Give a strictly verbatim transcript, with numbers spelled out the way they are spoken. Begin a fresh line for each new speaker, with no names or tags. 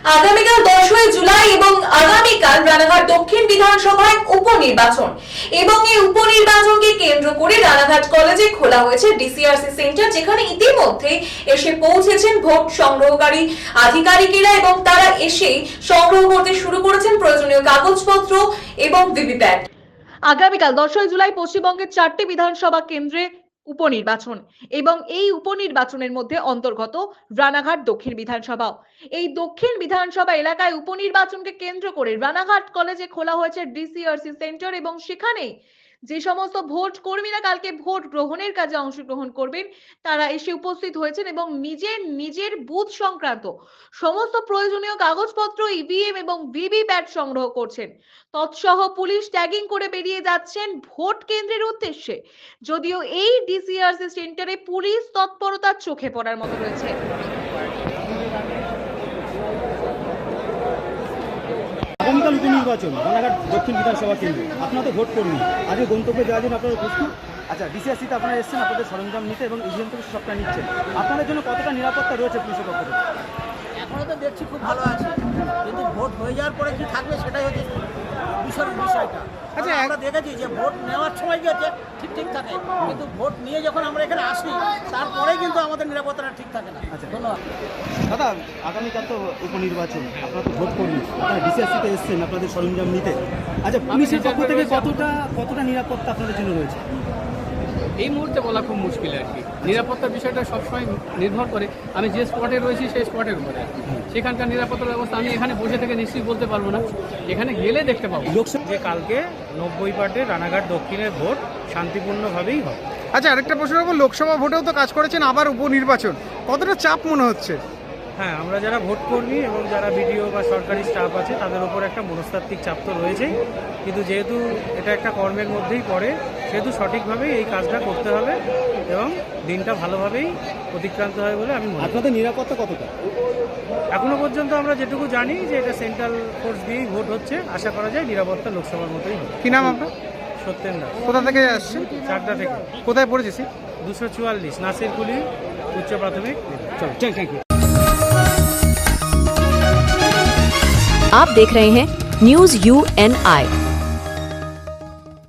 আগামীকাল দশই জুলাই এবং আগামীকাল রানাঘাট দক্ষিণ বিধানসভায় উপনির্বাচন এবং এই উপনির্বাচনকে কেন্দ্র করে রানাঘাট কলেজে খোলা হয়েছে ডিসিআরসি সেন্টার, যেখানে ইতিমধ্যে এসে পৌঁছেছেন ভোট সংগ্রহকারী আধিকারিকেরা এবং তারা এসেই সংগ্রহ করতে শুরু করেছেন প্রয়োজনীয় কাগজপত্র এবং ভিভিপ্যাট। আগামীকাল দশই জুলাই পশ্চিমবঙ্গের চারটি বিধানসভা কেন্দ্রে উপনির্বাচন এবং এই উপনির্বাচনের মধ্যে অন্তর্গত রানাঘাট দক্ষিণ বিধানসভা। এই দক্ষিণ বিধানসভা এলাকায় উপনির্বাচনকে কেন্দ্র করে রানাঘাট কলেজে খোলা হয়েছে ডিসিআরসি সেন্টার এবং সেখানে যে সমস্ত ভোট কর্মীরা কালকে ভোট গ্রহণের কাজে অংশগ্রহণ করবেন তারা এসে উপস্থিত হয়েছেন এবং নিজের নিজের বুথ সংক্রান্ত সমস্ত প্রয়োজনীয় কাগজপত্র, ইভিএম এবং ভিভিপ্যাট সংগ্রহ করছেন। তৎসহ পুলিশ ট্যাগিং করে বেরিয়ে যাচ্ছেন ভোট কেন্দ্রের উদ্দেশ্যে। যদিও এই ডিসিআরসি সেন্টারে পুলিশ তৎপরতা চোখে পড়ার মতো রয়েছে।
আগামীকাল উপনির্বাচন রানাঘাট দক্ষিণ বিধানসভা কেন্দ্র, আপনারা তো ভোট কর্মী, আজকে গন্তব্যে যাওয়ার জন্য আপনারা প্রস্তুত? আচ্ছা, ডিসিআরসিতে আপনারা এসেছেন আপনাদের সরঞ্জাম নিতে এবং ইভিএম থেকে সবটা নিচ্ছেন, আপনাদের জন্য কতটা নিরাপত্তা রয়েছে পুলিশের পক্ষ থেকে?
এখনও তো দেখছি খুব ভালো আছে, কিন্তু ভোট হয়ে যাওয়ার পরে কি থাকবে সেটাই হচ্ছে বিষয়ের বিষয়টা। আচ্ছা, আমরা দেখেছি যে ভোট নেওয়ার সময় গিয়েছে ঠিক ঠিক থাকে, কিন্তু ভোট নিয়ে যখন আমরা এখানে আসি তারপরে কিন্তু আমাদের নিরাপত্তাটা ঠিক থাকে না।
আচ্ছা,
ধন্যবাদ
দাদা। আগামীকাল তো উপনির্বাচন, আপনারা তো ভোট কর্মী, আপনারা ডিসিআরসিতে এসেছেন আপনাদের সরঞ্জাম নিতে। আচ্ছা, পুলিশের পক্ষ থেকে কতটা কতটা নিরাপত্তা আপনাদের জন্য রয়েছে?
এই মুহূর্তে বলা খুব মুশকিল আর কি। নিরাপত্তার বিষয়টা সবসময় নির্ভর করে আমি যে স্পটে রয়েছি সেই স্পটের উপরে, সেখানকার নিরাপত্তার ব্যবস্থা আমি এখানে বসে থেকে নিশ্চয়ই বলতে পারবো না, এখানে গেলে দেখতে পাবো।
লোকসভা
যে কালকে নব্বই পার্টে রানাঘাট দক্ষিণের ভোট শান্তিপূর্ণভাবেই হবে।
আচ্ছা, আরেকটা প্রশ্ন করবো, লোকসভা ভোটেও তো কাজ করেছেন, আবার উপনির্বাচন, কতটা চাপ মনে হচ্ছে?
হ্যাঁ, আমরা যারা ভোট কর্মী এবং যারা বিডিও বা সরকারি স্টাফ আছে তাদের উপর একটা মনস্তাত্ত্বিক চাপ তো রয়েছেই, কিন্তু যেহেতু এটা একটা কর্মের মধ্যেই পড়ে সেহেতু সঠিকভাবেই এই কাজটা করতে হবে এবং দিনটা ভালোভাবেই অতিক্রান্ত হয় বলে আমি মনে করি।
আপনাদের নিরাপত্তা কতটা?
এখনো পর্যন্ত আমরা যেটুকু জানি যে এটা সেন্ট্রাল ফোর্স দিয়েই ভোট হচ্ছে, আশা করা যায় নিরাপত্তা লোকসভার মতোই হবে।
কি নাম আপনার?
সত্যেন দাস।
কোথা থেকে আসছেন?
চাকদা থেকে।
কোথায় পড়েছি?
দুশো চুয়াল্লিশ নাসিরকুলি উচ্চ প্রাথমিক।
চলো, থ্যাংক ইউ।
आप देख रहे हैं न्यूज यू एन आई।